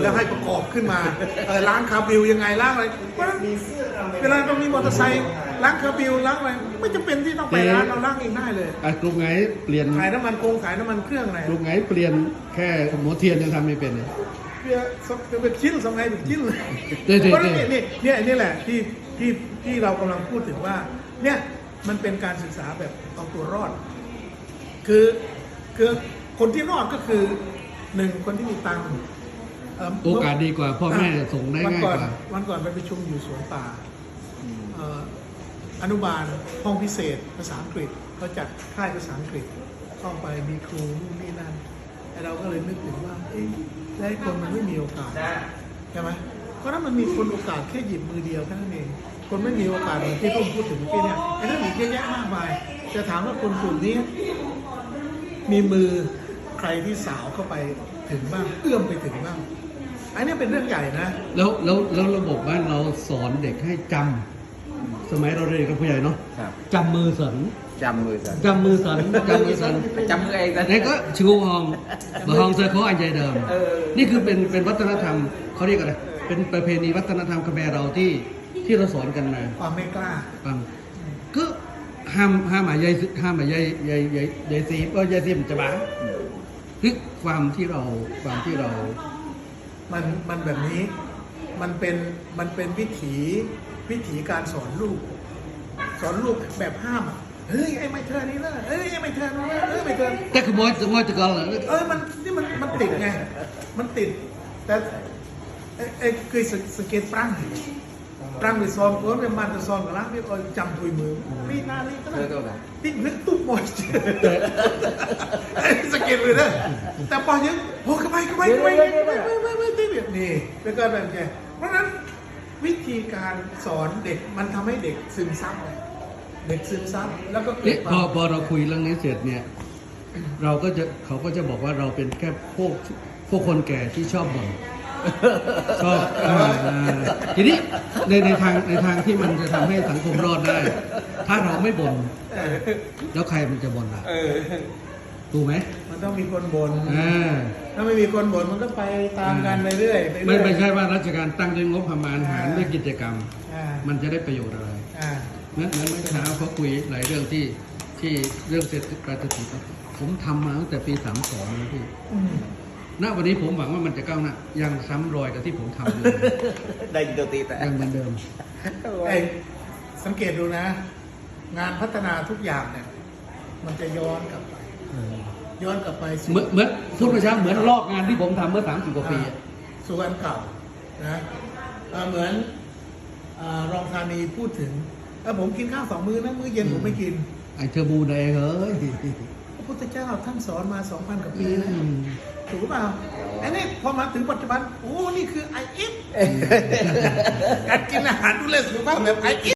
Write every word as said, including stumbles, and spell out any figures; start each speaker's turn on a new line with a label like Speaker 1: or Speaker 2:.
Speaker 1: แล้วให้ประกอบขึ้นมาเออล้างคาร์บิวยังไงล้างอะไรเพราะฉะนั้นเวลาเรามีมอเตอร์ไซค์ล้างคาร์บิวล้างอะไรไม่จำเป็นที่ต้องไปร้านเราล้างเองได้เลย
Speaker 2: อ่ะกลุ่มไหนเปลี่ยน
Speaker 1: ขายน้ำมันโกงขายน้ำมันเครื่องอะไร
Speaker 2: กลุ่มไหนเปลี่ยนแค่หัวเทียนยังทำไม่เป็นเลย
Speaker 1: เพื่อเป็นชิ้นสมัยเป็นชิ้นเลย
Speaker 2: เดี๋ยวๆๆ
Speaker 1: เพราะฉะนั้นนี่เนี่ยนี่แหละที่ที่ที่เรากำลังพูดถึงว่าเนี่ยมันเป็นการศึกษาแบบเอาตัวรอด คือคือคนที่รอดก็คือหนึ่งคนที่มีตังค์เ
Speaker 2: โอกาสดีกว่าพ่อแม่ส่งได้ง่ายกว่า
Speaker 1: วันก่อนไปประชุมอยู่สวนป่าเอ่ออนุบาลห้องพิเศษภาษาอังกฤษเขาจัดค่ายภาษาอังกฤษเข้าไปมีครูนู่นนี่นั่นไอ้เราก็เลยนึกถึงว่าเอ๊ะแล้วไอ้คนมันไม่มีโอกาสใช่ไหมเพราะถ้ามันมีคนโอกาสแค่หยิบมือเดียวแค่นั้นเองคนไม่มีโอกาสอย่างที่ต้องพูดถึงเมื่อกี้เนี่ยไอ้เรื่องอีกเยอะแยะมากมายจะถามว่าคนกลุ่มนี้มีมือใครที่สาวเข้าไปถึงบ้างเอื้อมไปถึงบ้างอันนี้เป็นเรื่องใหญ่นะ
Speaker 2: แล้วแล้วแล้วระบบบ้านเราสอนเด็กให้จำสมัยเราเรียนกับผู้ใหญ่เนาะ
Speaker 3: ครับ
Speaker 2: จำมือสัน
Speaker 3: จำมือสัน
Speaker 2: จำมือสันจำมือสัน
Speaker 3: จำมือเองนะ
Speaker 2: นี่ก็ชูฮองบะฮองเซอร์เขาอันใจเดิม
Speaker 3: เออ
Speaker 2: นี่คือเป็นเป็นวัฒนธรรมเขาเรียกอะไรเป็นประเพณีวัฒนธรรมคแมรเราที่ที่เราสอนกันมา
Speaker 1: ความไม่กล้า
Speaker 2: ฟังก็ห้ามห้ามหมายายห้ามหมายายยายยายยายซีก็ยายซีมจะบ้าคือความที่เราความที่เรา
Speaker 1: มันมันแบบนี้มันเป็นมันเป็นวิถีวิถีการสอนลูก สอนลูกแบบห้ามอะเฮ้ยไอ้ไม่เธอนี่นะเฮ้ยไอ้ไม่เธอนี่นะเฮ้ยไม่เธอ
Speaker 2: แต่ขโมยขโมยตะกอนเหรอ
Speaker 1: เออมันนี่มันมันติดไงมันติด แต่ไอ้ไอ้เคยสสเก็ตปรังปรังไปซ้อมก็เป็นมันจะซ้อมกับล้างพี่เออจำถุยมือนี่นานี่ก็
Speaker 3: เธอตัวไหน
Speaker 1: ติ๊กนึกตุ๊บหมดไอ้สเก็ตเลยนะแต่พอยังโอ้กระไปกระไปกระไปกระไปกระไปติ๊กแบบนี้แล้วก็แบบแกเพราะฉะนั้นวิธีการสอนเด็กมันทำให้เด็กซึมซับเด็กซึมซับแล้วก็เกิ
Speaker 2: เนี่
Speaker 1: ด
Speaker 2: ย
Speaker 1: ควา
Speaker 2: พอ
Speaker 1: ม
Speaker 2: พอเราคุยเรื่องนี้เสร็จเนี่ย เราก็จะเขาก็จะบอกว่าเราเป็นแค่พวกพวกคนแก่ที่ชอบบ่นชอบอ่าอ่าทีนี้ในในทางในทางที่มันจะทำให้สังคมรอดได้ ถ้าเราไม่บ่นแล้วใครมันจะบ่นล่ะ
Speaker 3: เออ
Speaker 2: ถูกไหม
Speaker 1: มันต้องมีคนบ่น
Speaker 2: อ่า
Speaker 1: ถ้าไม่มีคนบ่นมันก็ไปตามกันไปเรื่อยไปเรื่
Speaker 2: ไม่
Speaker 1: อย
Speaker 2: ไม่ใช่ว่าราชการตั้งด้วยงบประมาณหารด้วยกิจกรรม
Speaker 1: อ่า
Speaker 2: มันจะได้ประโยชน์อะไร
Speaker 1: อ่า
Speaker 2: นั้นนั้นเมื่อเช้าเขาคุยหลายเรื่องที่ที่เรื่องเศรษฐกิจการเศรษฐกิจผมทำมาตั้งแต่ปีสามสองนะพี่
Speaker 1: อืม
Speaker 2: ณวันนี้ผมหวังว่ามันจะก้าวหน้ายังซ้ำรอยกับที่ผมทำอยู่
Speaker 3: ได้ยินตัวตีแต่
Speaker 2: ยังเหมือนเดิม
Speaker 1: ไอ้สังเกตดูนะ งานพัฒนาทุกอย่างเนี่ย มันจะย้อนกลับไป ย้อนกลับไปสู่
Speaker 2: เหมือนเหมือนพูดเมื่อเช้าเหมือนลอกงานที่ผมทำเมื่อสามสิบกว่าปีอะ
Speaker 1: สู่อันเก่านะเอ่อเหมือนเอ่อรองธานีพูดถึงเออผมกินข้าวสองมื้อนะมื้อเย็นผมไม่กิน
Speaker 2: ไอเทอร์บูแดงเฮ้ย
Speaker 1: พระพุทธเจ้าท่านสอนมาสองพันกว่าปีนะ
Speaker 2: อืม
Speaker 1: ถูกหรือเปล่าอันนี้พอมาถึงปัจจุบัน โอ้ นี่คือไอเอฟการกินอาหารดูแลสุขภาพแบบไอเอฟ